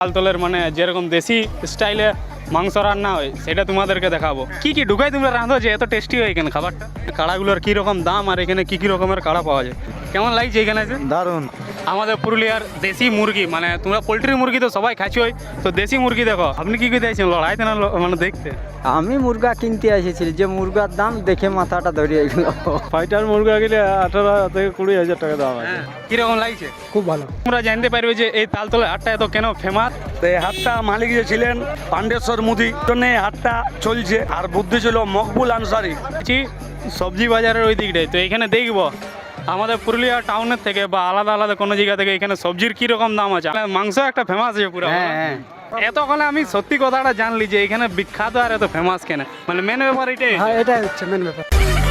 তালতলের মানে যেরকম দেশি স্টাইলে মাংস রান্না হয় সেটা তোমাদেরকে দেখাবো। কি কি ঢুকাই তোমরা রাঁধো যে এত টেস্টি হয় এখানে খাবারটা? কাড়াগুলোর কী রকম দাম আর এখানে কী কী রকমের কাড়া পাওয়া যায়, কেমন লাগছে এখানে এসে? দারুণ। আমাদের পুরুলিয়ার দেশি মুরগি, মানে তোমরা পোলট্রি মুরগি তো সবাই খাচ্ছই, তো দেশি মুরগি দেখো। আপনি কি করে দিয়েছেন লড়াইতে না মানে দেখতে? আমি মুরগা কিনতে এসেছিলাম, যে মুরগার দাম দেখে মাথাটা ধরিয়ে গেল। ফাইটার মুরগা গেলে 18 থেকে 20,000 টাকা দাম আছে। হ্যাঁ, কীরকম লাগছে? খুব ভালো। তোমরা জানতে পারবে যে এই তালতলার হাটটা এত কেন ফেমাস। তো এই হাটটা মালিক যে ছিলেন পাণ্ডেশ্বর মুদি, জন্য এই হাটটা চলছে। আর বুদ্ধি ছিল মকবুল আনসারি। সবজি বাজারের ওই দিকটাই তো এখানে দেখবো আমাদের পুরুলিয়া টাউনের থেকে বা আলাদা আলাদা কোনো জায়গা থেকে এখানে সবজির কি রকম দাম আছে। মাংস একটা ফেমাস আছে পুরো। হ্যাঁ, এতক্ষণে আমি সত্যি কথাটা জানলি যে এখানে বিখ্যাত আর এত ফেমাস কেন, মানে মেন ব্যাপার এটাই। হ্যাঁ, এটাই হচ্ছে মেন ব্যাপার।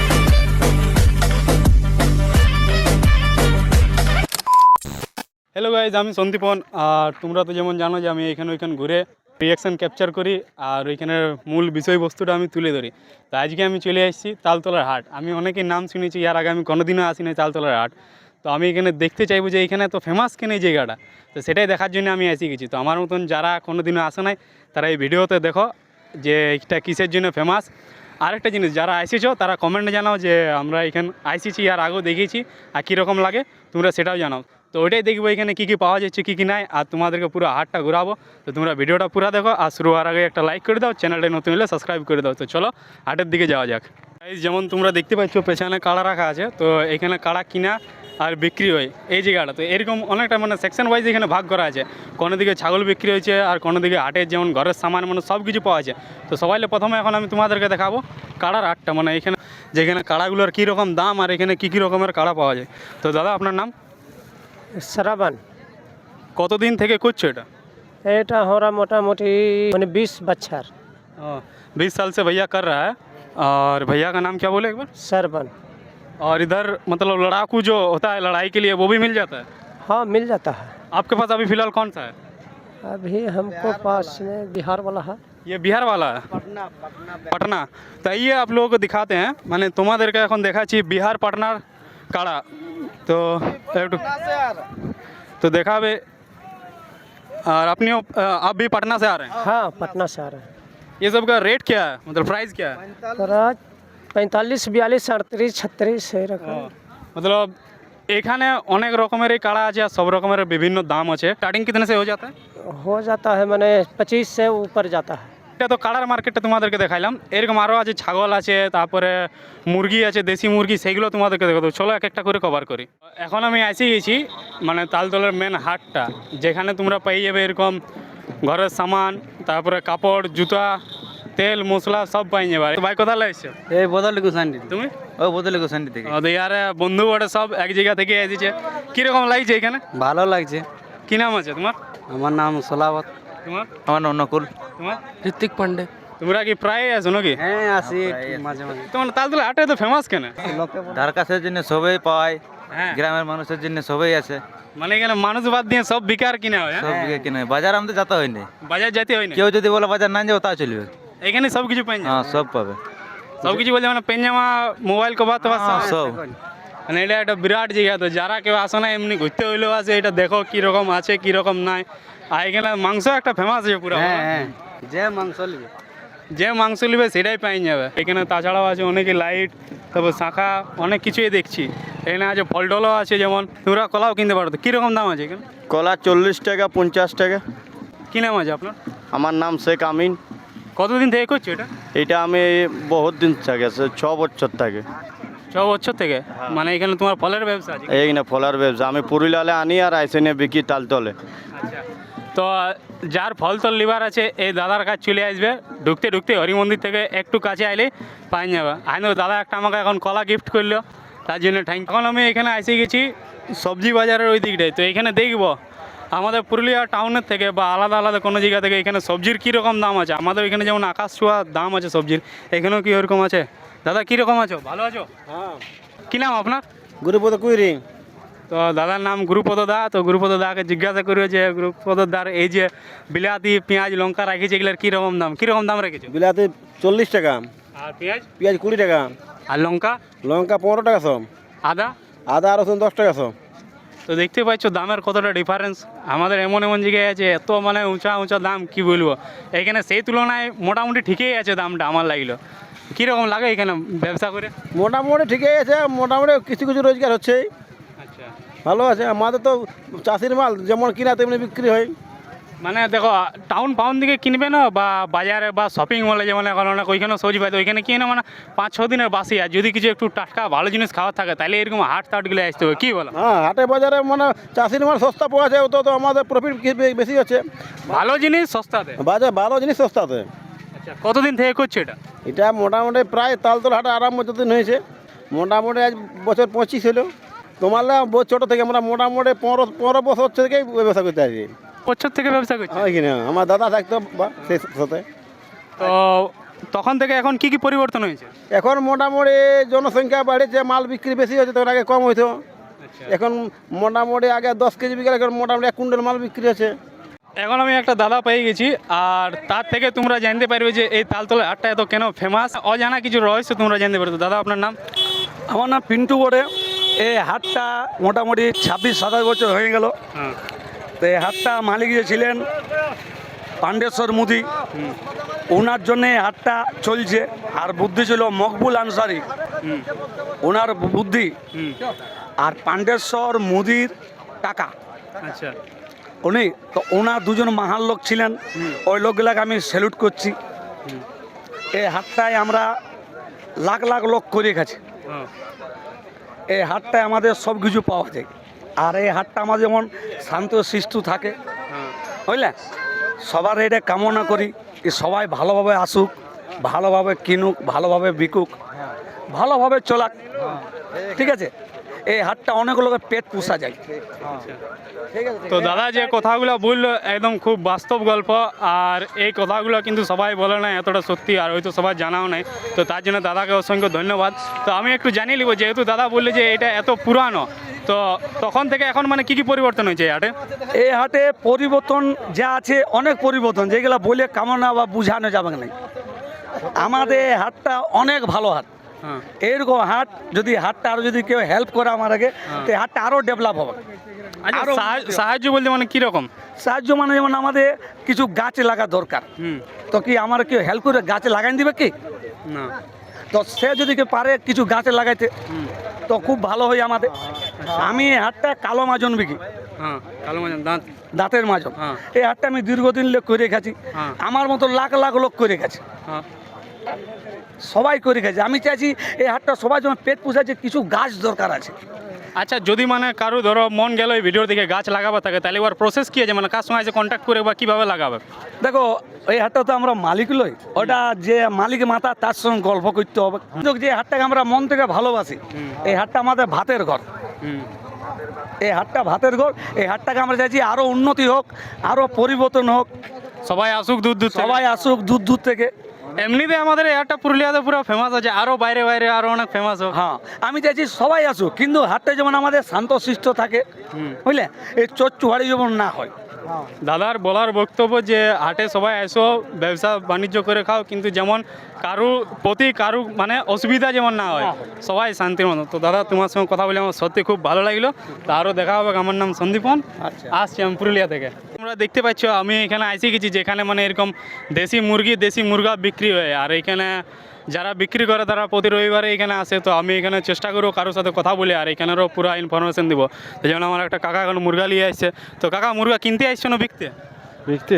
হ্যালো গাইজ, আমি সন্দীপন। আর তোমরা তো যেমন জানো যে আমি এখানে ওইখানে ঘুরে রিয়াকশান ক্যাপচার করি আর ওইখানের মূল বিষয়বস্তুটা আমি তুলে ধরি। তো আজকে আমি চলে এসেছি তালতলার হাট। আমি অনেকের নাম শুনেছি, এর আগে আমি কোনোদিনও আসিনি তালতলার হাট। তো আমি এখানে দেখতে চাইবো যে এখানে তো ফেমাস কেন এই জায়গাটা, তো সেটাই দেখার জন্য আমি এসে গেছি। তো আমার মতন যারা কোনোদিনও আসে নাই তারা এই ভিডিওতে দেখো যে এটা কিসের জন্য ফেমাস। আরেকটা জিনিস, যারা এসেছো তারা কমেন্টে জানাও যে আমরা এখানে এসেছি আর আগেও দেখিয়েছি আর কীরকম লাগে তোমরা সেটাও জানাও। তো ওইটাই দেখবো এখানে কী কী পাওয়া যাচ্ছে কী কী নাই, আর তোমাদেরকে পুরো হাটটা ঘুরাবো। তো তোমরা ভিডিওটা পুরো দেখো আর শুরু হওয়ার আগে একটা লাইক করে দাও, চ্যানেলটা নতুন হলে সাবস্ক্রাইব করে দাও। তো চলো হাটের দিকে যাওয়া যাক। যেমন তোমরা দেখতে পাচ্ছ পেছনে কাড়া রাখা আছে, তো এখানে কাড়া কিনা আর বিক্রি হয় এই জায়গাটা। তো এরকম অনেকটা মানে সেকশন ওয়াইজ এখানে ভাগ করা আছে। কোনো দিকে ছাগল বিক্রি হয়েছে আর কোনো দিকে হাটের যেমন ঘরের সামান মানে সব কিছু পাওয়া যায়। তো সবাইলে প্রথমে এখন আমি তোমাদেরকে দেখাবো কাড়ার হাটটা, মানে এখানে যেখানে কাড়াগুলোর কী রকম দাম আর এখানে কী কী রকমের কাড়া পাওয়া যায়। তো দাদা আপনার নাম? শ্রাবণ। কতদিন থেকে করছো এটা? এটা हमारा मोटामोटी मैंने 20 बच्चर। 20 साल से भैया कर रहा है। और भैया का नाम क्या बोले एक बार? श्रावण। और इधर मतलब लड़ाकू जो होता है लड़ाई के लिए वो भी मिल जाता है? हाँ, मिल जाता है। आपके पास अभी फ़िलहाल कौन सा है? अभी हमको पास में बिहार वाला है। ये बिहार वाला है? पटना। तो ये आप लोगों को दिखाते हैं, मैंने তোমাদেরকে এখন দেখাচ্ছি বিহার পাটনার কাড়া। তো একটু তো দেখাবে। और अपनी आप भी पटना से आ रहे हैं? हाँ, पटना से आ रहे हैं। ये सब का रेट क्या है, मतलब प्राइस क्या है? 45, 42, 38, 36 है रखा। मतलब এখানে অনেক রকমের এই কাড়া আছে আর সব রকমের বিভিন্ন দাম আছে। স্টার্টিং कितने से हो जाता है? हो जाता है मैंने 25 से ऊपर जाता है। এটা তো কাড়ার মার্কেটটা তোমাদেরকে দেখাইলাম, এরকম আরও আছে, ছাগল আছে, তারপরে মুরগি আছে, দেশি মুরগি, সেইগুলো তোমাদেরকে দেখাবো। চলো এক একটা করে কভার করি। এখন আমি এসে গেছি মানে তালতলার মেন হাটটা, যেখানে তোমরা পেয়ে যাবে এরকম ঘরের সামান, তারপরে কাপড়, জুতা, তেল মশলা সব পাই যাবে। তো ভাই কোথায় এসছো? এই বদলে গোসান্ডি। তুমি? ও বদলে গোসান্ডি থেকে। তো ইয়ার বন্ধু বড়ে সব এক জায়গা থেকে এসেছে। কীরকম লাগছে এখানে? ভালো লাগছে। কী নাম আছে তোমার? আমার নাম সোলাবত। তোমার? আমার নাম নকুল। তোমার? ঋত্বিক পান্ডে। তোমরা কি প্রায় আসো নাকি? হ্যাঁ, আসি মাঝে মাঝে। তোমার তালতলা হাটে তো ফেমাস কেন? ধার কাছের জন্য সবাই পায়, হ্যাঁ, গ্রামের মানুষের জন্য সবাই আছে। মানে এখানে মানুষ বাদ দিয়ে সব বিকার কিনা হয়। সব দিকে কিনে বাজার আমাদের যেতে হয়নি। বাজার যেতে হয় না, কেউ যদি বলে বাজার না যাও তা চলবে। এখানে সব কিছু পাই হ্যাঁ, সব পাবে। সব কিছু বলতে মানে পেনজামা, মোবাইল কভার তো হ্যাঁ, সব। মানে এটা একটা বিরাট জায়গা। তো যারা কেউ আসে না এমনি ঘুরতে হইলেও আছে, এটা দেখো কীরকম আছে কীরকম নাই। আর এখানে মাংস একটা ফেমাস আছে পুরো। হ্যাঁ, যে মাংস নিবে, যে মাংস নিবে সেটাই পাই যাবে এখানে। তাছাড়াও আছে অনেকে লাইট, তারপর শাঁখা, অনেক কিছুই দেখছি এখানে আছে। ফল টলও আছে, যেমন তোমরা কলাও কিনতে পারো। তো কীরকম দাম আছে এখানে? কলা 40 টাকা, 50 টাকা। কী নাম আছে আপনার? আমার নাম শেখ আমিন। কতদিন থেকে করছো এটা? এটা আমি বহুত দিন থেকে, 6 বছর থেকে। 6 বছর থেকে? মানে এখানে তোমার ফলের ব্যবসা আছে? এইখানে ফলার ব্যবসা আমি পুরুলিয়ালে আনি আর আইসে নিয়ে বিকি তালতলে। আচ্ছা, তো যার ফল তল লিভার আছে এই দাদার কাছে চলে আসবে। ঢুকতে ঢুকতে হরি মন্দির থেকে একটু কাছে আইলে পাই যাবে। আইন দাদা একটা আমাকে এখন কলা গিফট করলো, তার জন্য থ্যাংক। এখন আমি এখানে এসে গেছি সবজি বাজারের ওই দিকটায়। তো এখানে দেখবো আমাদের পুরুলিয়া টাউনের থেকে বা আলাদা আলাদা কোনো জায়গা থেকে এখানে সবজির কীরকম দাম আছে। আমাদের এখানে যেমন আকাশ ছোঁয়া দাম আছে সবজির, এখানেও কি ওরকম আছে? দাদা কীরকম আছো, ভালো আছো? হ্যাঁ। কী নাম আপনার? গুরুপদ কুইরি। তো দাদার নাম গুরুপদ দা। তো গুরুপদ দাকে জিজ্ঞাসা করি যে গুরুপদ দার এই যে বিলাতি, পেঁয়াজ, লঙ্কা রাখিছে, এগুলোর কীরকম দাম, কীরকম দাম রেখেছো? বিলাতি 40 টাকা, আর পেঁয়াজ? পেঁয়াজ 20 টাকা, আর লঙ্কা? লঙ্কা 15 টাকা সব, আদা? আদা রসুন 10 টাকা সব। তো দেখতে পাচ্ছ দামের কতটা ডিফারেন্স। আমাদের এমন এমন জায়গায় আছে এত মানে উঁচা উঁচা দাম কি বলবো, এখানে সেই তুলনায় মোটামুটি ঠিকই আছে দামটা আমার লাগলো। কীরকম লাগে এখানে ব্যবসা করে? মোটামুটি ঠিকই আছে, মোটামুটি কিছু কিছু রোজগার হচ্ছে, আচ্ছা, ভালো আছে। আমাদের তো চাষির মাল যেমন কিনা তেমনি বিক্রি হয়। মানে দেখো টাউন ফাউন দিকে কিনবে না বা বাজারে বা শপিং মলে যেমন এখন অনেক ওইখানে সবজি পাই, তো ওইখানে কিনে মানে 5-6 দিনের বাসি, আর যদি কিছু একটু টাটকা ভালো জিনিস খাওয়ার থাকে তাহলে এরকম হাট টাটগুলো আসতে হবে, কী বলো? হ্যাঁ, হাটে বাজারে মানে চাষির মাল সস্তা পাওয়া যায়, তো তো আমাদের প্রফিট বেশি হচ্ছে। ভালো জিনিস সস্তাতে। বাজার ভালো জিনিস সস্তাতে। আচ্ছা, কতদিন থেকে করছো এটা? এটা মোটামুটি প্রায় তালতলা হাটে আরাম যতদিন হয়েছে, মোটামুটি আজ বছর 25 হলো। তোমার ছোটো থেকে আমরা মোটামুটি 15 বছর থেকেই ব্যবসা করতে আসি। বছর থেকে ব্যবসা করছো? হয় কিনা, আমার দাদা থাকতো বা সেই সাথে। তো তখন থেকে এখন কি কি পরিবর্তন হয়েছে? এখন মোটামুটি জনসংখ্যা বাড়েছে, মাল বিক্রি বেশি হচ্ছে, তখন আগে কম হইতো। এখন মোটামুটি আগে 10 কেজি বিক্রি, এখন মোটামুটি 1 কুইন্টাল মাল বিক্রি হচ্ছে। এখন আমি একটা দাদা পেয়ে গেছি, আর তার থেকে তোমরা জানতে পারবে যে এই তালতলা হাটটা এত কেন ফেমাস। অজানা কিছু রহস্য তোমরা জানতে পারবে। দাদা আপনার নাম? আমার নাম পিন্টু বড়ে। এই হাটটা মোটামুটি 26-27 বছর হয়ে গেল। হ্যাঁ। তো এই হাটটা মালিক যে ছিলেন পাণ্ডেশ্বর মুদি, ওনার জন্যে এই হাটটা চলছে। আর বুদ্ধি ছিল মকবুল আনসারি, ওনার বুদ্ধি। আর পাণ্ডেশ্বর মুদির কাকা আচ্ছা, উনি তো, ওনার দুজন মহান লোক ছিলেন। ওই লোকগুলাকে আমি স্যালুট করছি। এই হাটটায় আমরা লাখ লাখ লোক করে গেছে। হ্যাঁ, এই হাটটায় আমাদের সব কিছু পাওয়া যায়। আর এই হাটটা আমাদের যেমন শান্ত শিষ্ট থাকে, হ্যাঁ। বুঝলে, সবার এটা কামনা করি যে সবাই ভালোভাবে আসুক, ভালোভাবে কিনুক, ভালোভাবে বিকুক, ভালোভাবে চলাক। ঠিক আছে, এই হাটটা অনেক লোকের পেট পোষা যায়। তো দাদা যে কথাগুলো বললো একদম খুব বাস্তব গল্প, আর এই কথাগুলো কিন্তু সবাই বলে না এতটা সত্যি, আর হয়তো সবাই জানাও নাই। তো তার জন্য দাদাকে অসংখ্য ধন্যবাদ। তো আমি একটু জানিয়ে নিব, যেহেতু দাদা বললে যে এটা এত পুরানো, তো তখন থেকে এখন মানে কি কি পরিবর্তন হয়েছে এই হাটে? এই হাটে পরিবর্তন যা আছে, অনেক পরিবর্তন, যেগুলো বলে কামনা বা বুঝানো যাবে না। আমাদের এই হাটটা অনেক ভালো হাট। হ্যাঁ, এরকম হাট যদি হাটটা আরও যদি কেউ হেল্প করে আমার আগে, তো এই হাটটা আরও ডেভেলপ হবে। আচ্ছা, আরো সাহায্য বলতে মানে কীরকম? সাহায্য মানে যেমন আমাদের কিছু গাছ লাগা দরকার, তো কি আমার কেউ হেল্প করে গাছে লাগাই দিবে কি না? তো সে যদি কেউ পারে কিছু গাছে লাগাইতে, তো খুব ভালো হয় আমাদের। আমি এই হাটটা কালো মাজন বিকি, হ্যাঁ, কালো মাজন, দাঁত। দাঁতের মাজন। হ্যাঁ। এই হাটটা আমি দীর্ঘদিন লোক করে গেছি। হ্যাঁ। আমার মতো লাখ লাখ লোক করে গেছে, হ্যাঁ, সবাই করে গেছে। আমি চাইছি এই হাটটা সবাই যেমন পেট পোষাচ্ছে, কিছু গাছ দরকার আছে। আচ্ছা, যদি মানে কারো ধরো মন গেল এই ভিডিও দেখে গাছ লাগাবে থাকে, তাহলে ওর প্রসেস কী আছে? মানে কার সঙ্গে আছে কন্ট্যাক্ট করে বা কীভাবে লাগাবে? দেখো, এই হাটটা তো আমরা মালিক লই, ওটা যে মালিক মাথা তার সঙ্গে গল্প করতে হবে। কিন্তু যে হাটটাকে আমরা মন থেকে ভালোবাসি, এই হাটটা আমাদের ভাতের ঘর। এই হাটটা ভাতের ঘর। এই হাটটাকে আমরা চাইছি আরও উন্নতি হোক, আরও পরিবর্তন হোক, সবাই আসুক দূর দূর থেকে। সবাই আসুক দূর দূর থেকে। এমনিতে আমাদের এই হাটটা পুরুলিয়াতে পুরো ফেমাস আছে, আরও বাইরে বাইরে আরও অনেক ফেমাস হোক। হ্যাঁ, আমি চাইছি সবাই আসুক, কিন্তু হাটটা যেমন আমাদের শান্তশিষ্ট থাকে, বুঝলে, এই চোর চুহারি যেমন না হয়। দাদার বলার বক্তব্য যে হাটে সবাই এসো, ব্যবসা বাণিজ্য করে খাও, কিন্তু যেমন কারু মানে অসুবিধা যেমন না হয়, সবাই শান্তির মতো। তো দাদা, তোমার সঙ্গে কথা বলে আমার সত্যি খুব ভালো লাগলো। তো আরও দেখা হবে। আমার নাম সন্দীপন, আসছি আমি পুরুলিয়া থেকে। তোমরা দেখতে পাচ্ছ আমি এখানে এসে গেছি, যেখানে মানে এরকম দেশি মুরগি দেশি মুরগা বিক্রি হয়। আর এখানে যারা বিক্রি করে তারা প্রতি রবিবারে এখানে আসে। তো আমি এখানে চেষ্টা করবো কারোর সাথে কথা বলে আর এখানেরও পুরো ইনফরমেশন দিব। তো যেমন আমার একটা কাকা এখন মুরগা নিয়ে আসছে। তো কাকা, মুরগা কিনতে আসছো না বিকতে? বিকতে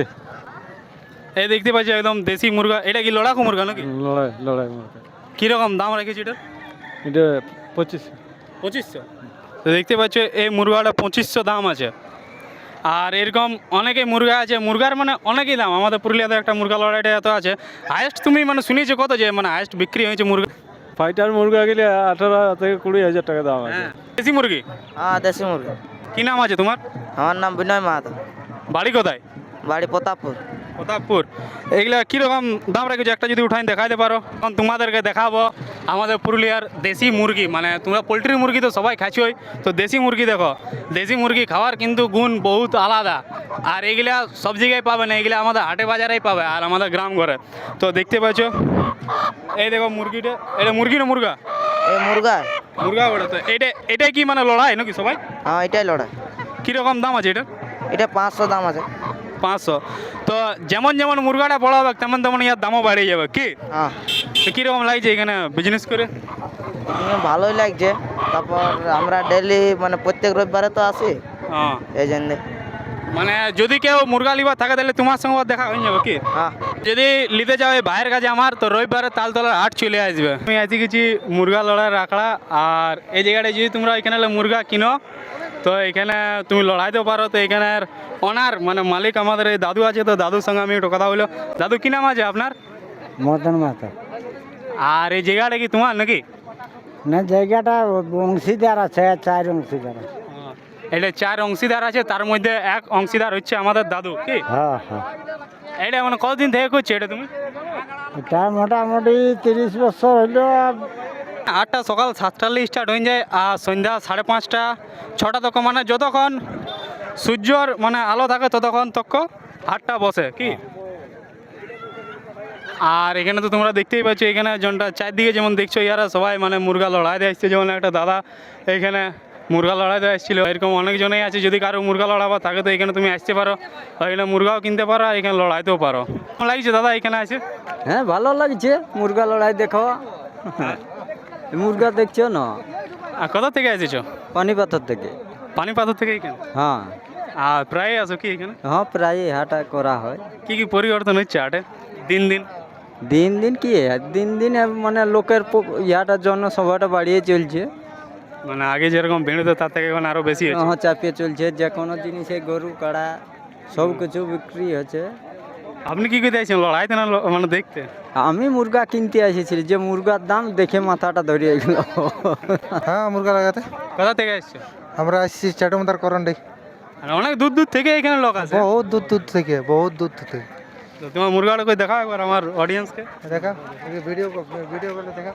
এই দেখতে পাচ্ছি একদম দেশি মুরগা। এটা কি লড়াকু মুরগা নাকি? লড়াই মুরগা। কীরকম দাম রেখেছি এটা? এটা 25। 2500। তো দেখতে পাচ্ছ এই মুরগাটা 2500 দাম আছে। আর এরকম অনেকেই মুরগা আছে, মুরগার মানে অনেকই দাম। আমাদের পুরুলিয়াতে একটা মুরগা লড়াইটা এত আছে। হায়েস্ট তুমি মানে শুনেছো কত, যে মানে হায়েস্ট বিক্রি হয়েছে মুরগা? ফাইটার মুরগা গেলে 18 থেকে 20,000 টাকা দাম আছে। দেশি মুরগি? হ্যাঁ, দেশি মুরগি। কী নাম আছে তোমার? আমার নাম বিনয় মাহাতো, বাড়ি কোথায়? বাড়ি প্রতাপপুর। প্রতাপপুর। এইগুলা কীরকম দাম রেখেছো একটা যদি উঠাই দেখাইতে পারো? কারণ তোমাদেরকে দেখাবো আমাদের পুরুলিয়ার দেশি মুরগি। মানে তোমরা পোলট্রি মুরগি তো সবাই খাচ্ছই, তো দেশি মুরগি দেখো। দেশি মুরগি খাওয়ার কিন্তু গুণ বহুত আলাদা। আর এগুলা সব জায়গায় পাবে না, এগুলা আমাদের হাটে বাজারেই পাবে আর আমাদের গ্রাম ঘরে। তো দেখতে পাচ্ছ এই দেখো মুরগিটা। এটা মুরগি না মুরগা? এই মুরগা মুরগা বড় তো এটাই কি মানে লড়াই নাকি সবাই? হ্যাঁ এটাই লড়াই। কীরকম দাম আছে এটা? এটা 500 দাম আছে। 500। তো যেমন যেমন মুরগাটা বড় হবে তেমন তেমন ইয়ার দামও বাড়িয়ে যাবে কি? হ্যাঁ তো কীরকম লাগছে এখানে বিজনেস করে? ভালোই লাগছে। তারপর আমরা ডেলি মানে প্রত্যেক রবিবারে তো আসি, হ্যাঁ, এই জন্য। মানে যদি কেউ মুরগা লিবার থাকে তাহলে তোমার সঙ্গে আবার দেখা হয়ে যাবে কি? হ্যাঁ যদি নিতে যাও এই ভাইয়ের কাছে আমার, তো রবিবারে তালতলার হাট চলে আসবে। আমি আছি কিছু মুরগা লড়াই রাখলা, আর এই জায়গাটায় যদি তোমরা এখানে মুরগা কিনো তো এখানে তুমি লড়াইতেও পারো। তো এখানের ওনার মানে মালিক আমাদের এই দাদু আছে, তো দাদুর সঙ্গে আমি একটু কথা বললো। দাদু কী নাম আছে আপনার? মদন মাতা। আর এই জায়গাটা কি তোমার নাকি? না, জায়গাটা অংশীদার আছে, 4 অংশীদার আছে। এটা 4 অংশীদার আছে, তার মধ্যে এক অংশীদার হচ্ছে আমাদের দাদু কি? হ্যাঁ হ্যাঁ। এটা মানে কতদিন থেকে করছে এটা তুমি? এটা মোটামুটি 30 বছর হইলো। 8টা সকাল 7টালে স্টার্ট হয়ে যায়, আর সন্ধ্যা 5:30 6টা তক, মানে যতক্ষণ সূর্যর মানে আলো থাকে ততক্ষণ তক হাটটা বসে কি? আর এখানে তো তোমরা দেখতেই পাচ্ছ, এখানে জনটা চারদিকে যেমন দেখছো ইয়ারা সবাই মানে মুরগা লড়াই দিয়ে আসছে। যেমন একটা দাদা এখানে মুরগা লড়াই দিয়ে আসছিল, এরকম অনেকজনেই আছে। যদি কারো মুরগা লড়াবা থাকে তো এখানে তুমি আসতে পারো, আর এখানে মুরগাও কিনতে পারো, আর এখানে লড়াইতেও পারো। কেমন লাগছে দাদা এখানে আছে? হ্যাঁ ভালো লাগছে মুরগা লড়াই দেখো। মুরগা দেখছো না? আর কোথা থেকে এসেছো? পানিপাথর থেকে। পানিপাথর থেকে এখানে? হ্যাঁ আর প্রায় আসো কি এখানে? হ্যাঁ, প্রায় হাটা করা হয়। কি কি পরিবর্তন হচ্ছে হাটে দিন দিন? দিন দিন কি দিন দিন মানে লোকের ইয়াটার জন্য সবাইটা বাড়িয়ে চলছে। মানে আগে যেরকম ভিড় হতো তার থেকে এখন আরো বেশি হচ্ছে। হ্যাঁ, চাপিয়ে চলছে। যে কোনো জিনিসে গরু কাড়া সব কিছু বিক্রি হচ্ছে। আপনি কি করতে আছেন, লড়াইতে না মানে দেখতে? আমি মুরগা কিনতে এসেছি, যে মুরগার দাম দেখে মাথাটা ধরিয়ে গেল। হ্যাঁ মুরগা লাগাতে কোথা থেকে আসছে? আমরা আসছি চাটুমদার করন্ডি। মানে অনেক দূর দূর থেকে এখানে লোক আছে। বহুত দূর দূর থেকে, বহুত দূর থেকে। তো তোমার মুরগাটা কই দেখাও একবার আমার অডিয়েন্সকে। দেখা ভিডিও করলে দেখা।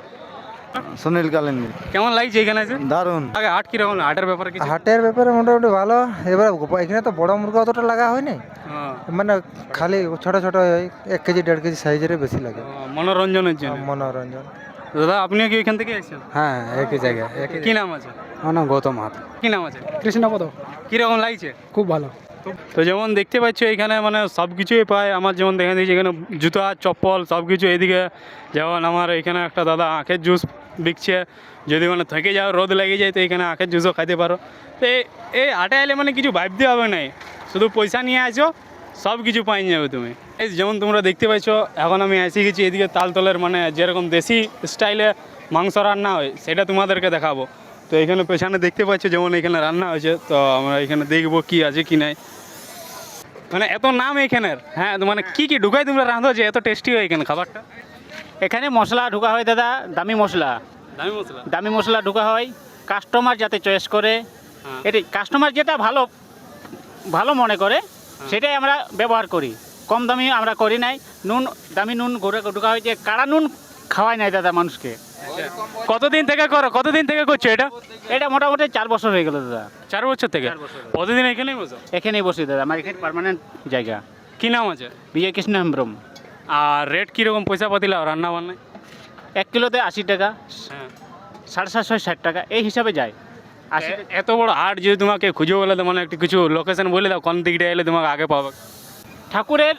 সুনীল কালেন। কেমন লাগছে এখানে আছে? দারুণ। আগে হাট কিরকম, হাটের ব্যাপারে কিছু? হাটের ব্যাপারে মোটামুটি ভালো। এবার এখানে তো বড় মুরগা অতটা লাগা হয়নি, হ্যাঁ, মানে খালি ছোট ছোট 1 কেজি 1.5 কেজি সাইজের বেশি লাগে। মনোরঞ্জনের জন্য। মনোরঞ্জন। দাদা আপনিও কি এখান থেকে এসেছেন? হ্যাঁ একই জায়গায়। কি নাম আছে? আমার নাম গৌতম হাত। কি নাম আছে? কৃষ্ণপদ। কিরকম লাগছে? খুব ভালো। তো যেমন দেখতে পাচ্ছ এখানে মানে সব কিছুই পায়। আমার যেমন দেখা দিয়েছে এখানে জুতা চপ্পল সব কিছু। এইদিকে যেমন আমার এখানে একটা দাদা আখের জুস বিকছে। যদি মানে থেকে যাও, রোদ লেগে যায়, তো এখানে আখের জুসও খাইতে পারো। তো এই হাটে এলে মানে কিছু ভাবতে হবে নাই, শুধু পয়সা নিয়ে আসো, সব কিছু পাই যাবে তুমি। এই যেমন তোমরা দেখতে পাচ্ছ এখন আমি এসে গেছি এদিকে তালতলের, মানে যেরকম দেশি স্টাইলে মাংস রান্না হয় সেটা তোমাদেরকে দেখাবো। তো এখানে পেছনে দেখতে পাচ্ছ যেমন এখানে রান্না হয়েছে, তো আমরা এখানে দেখবো কি আছে কি নাই। মানে এত নাম এখানের। হ্যাঁ, তো মানে কি কি ঢুকাই তোমরা রাঁধো যে এত টেস্টি হয় এখানে খাবারটা? এখানে মশলা ঢোকা হয় দাদা, দামি মশলা। দামি মশলা? দামি মশলা ঢোকা হয় কাস্টমার যাতে চয়েস করে। হ্যাঁ। এটি কাস্টমার যেটা ভালো ভালো মনে করে সেটাই আমরা ব্যবহার করি। কম দামি আমরা করি নাই। নুন দামি নুন ঘুরে ঢোকা হয়, যে কাড়া নুন খাওয়াই নাই দাদা মানুষকে। কতদিন থেকে করো, কতদিন থেকে করছো এটা? এটা মোটামুটি 4 বছর হয়ে গেল দাদা। 4 বছর থেকে? প্রতিদিন এখানেই বসো? এখানেই বসি দাদা, আমার এখানে পার্মানেন্ট জায়গা। কি নাম আছে? বিজয় কৃষ্ণ হেমব্রম। আর রেট কীরকম পয়সা পাতি লাও রান্না বান্নায়? 1 কিলোতে 80 টাকা, হ্যাঁ। 750 60 টাকা এই হিসাবে যায়। 80 এত বড় হাট যদি তোমাকে খুঁজে বলে তো মানে একটু কিছু লোকেশন বলে দাও, কোন দিকটা এলে তোমাকে আগে পাবে? ঠাকুরের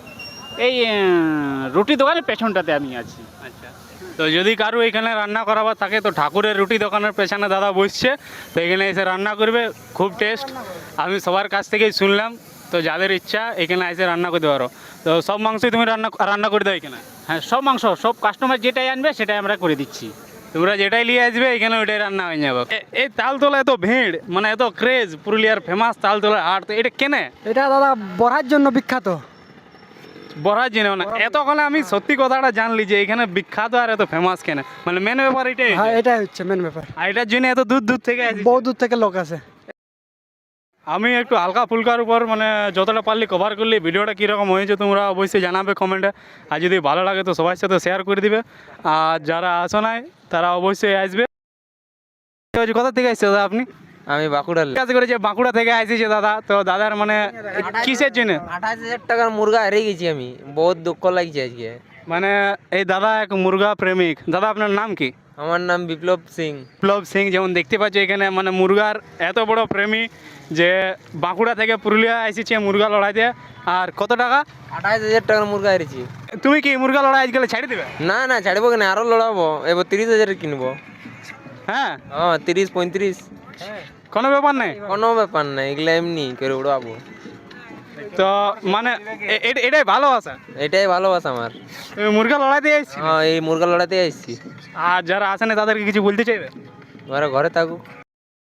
এই রুটি দোকানের পেছনটাতে আমি আছি। আচ্ছা, তো যদি কারো এখানে রান্না করাবার থাকে তো ঠাকুরের রুটি দোকানের পেছনে দাদা বসছে, তো এখানে এসে রান্না করবে, খুব টেস্ট। আমি সবার কাছ থেকেই শুনলাম। তো যাদের ইচ্ছা এখানে এসে রান্না করতে পারো। তো সব মাংসই তুমি রান্না করে দাও এখানে? হ্যাঁ, সব মাংস, সব কাস্টমার যেটাই আনবে সেটাই আমরা করে দিচ্ছি। তোমরা যেটাই নিয়ে আসবে এখানে ওইটাই রান্না হয়ে যাবে। এই তালতলা এত ভিড়, মানে এত ক্রেজ, পুরুলিয়ার ফেমাস তালতলা হাট, তো এটা কেনে? এটা দাদা বড়ার জন্য বিখ্যাত। বড়ার জন্য না, এতক্ষণে আমি সত্যি কথাটা জানলি যে এখানে বিখ্যাত আর এত ফেমাস কেন, মানে মেন ব্যাপার এটাই। হ্যাঁ, এটাই হচ্ছে মেন ব্যাপার। আর এটার জন্য এত দূর দূর থেকে আসি। বহু দূর থেকে লোক আছে। আমি একটু হালকা ফুলকার উপর মানে যতটা পারলি কভার করলি। ভিডিওটা কীরকম হয়েছে তোমরা অবশ্যই জানাবে কমেন্টে। আর যদি ভালো লাগে তো সবার সাথে শেয়ার করে দিবে। আর যারা আসো নাই তারা অবশ্যই আসবে। কোথা থেকে আসছে দাদা আপনি? আমি বাঁকুড়া। কাজ করে যে বাঁকুড়া থেকে আসছে দাদা, তো দাদার মানে কিসের জন্য? 28,000 টাকার মুরগা হারিয়ে গেছি আমি, বহুত দুঃখ লাগছে আজকে। মানে এই দাদা এক মুরগা প্রেমিক। দাদা আপনার নাম কি? আমার নাম বিপ্লব সিং। বিপ্লব সিং, যেমন দেখতে পাচ্ছ এখানে মানে মুরগার এত বড় প্রেমী যে বাঁকুড়া থেকে পুরুলিয়া এসেছে মুরগা লড়াইতে। আর কত টাকা? 28,000 টাকার মুরগা হারিয়েছি। তুমি কি মুরগা লড়াই আজকাল ছাড়ি দেবে? না না, ছাড়বো কেন, আরো লড়াবো। এবার 30,000 কিনবো। হ্যাঁ, 30-35। কোনো ব্যাপার নেই। কোনো ব্যাপার না, এগুলো এমনি করে উড়াবো। তো মানে এটাই ভালোবাসা। এটাই ভালোবাসা আমার। তুমি মুরগা লড়াইতে এসেছি, এই মুরগা লড়াতে আসছি। আর যারা আসে না তাদেরকে কিছু বলতে চাইবে? ওরা ঘরে থাকুক।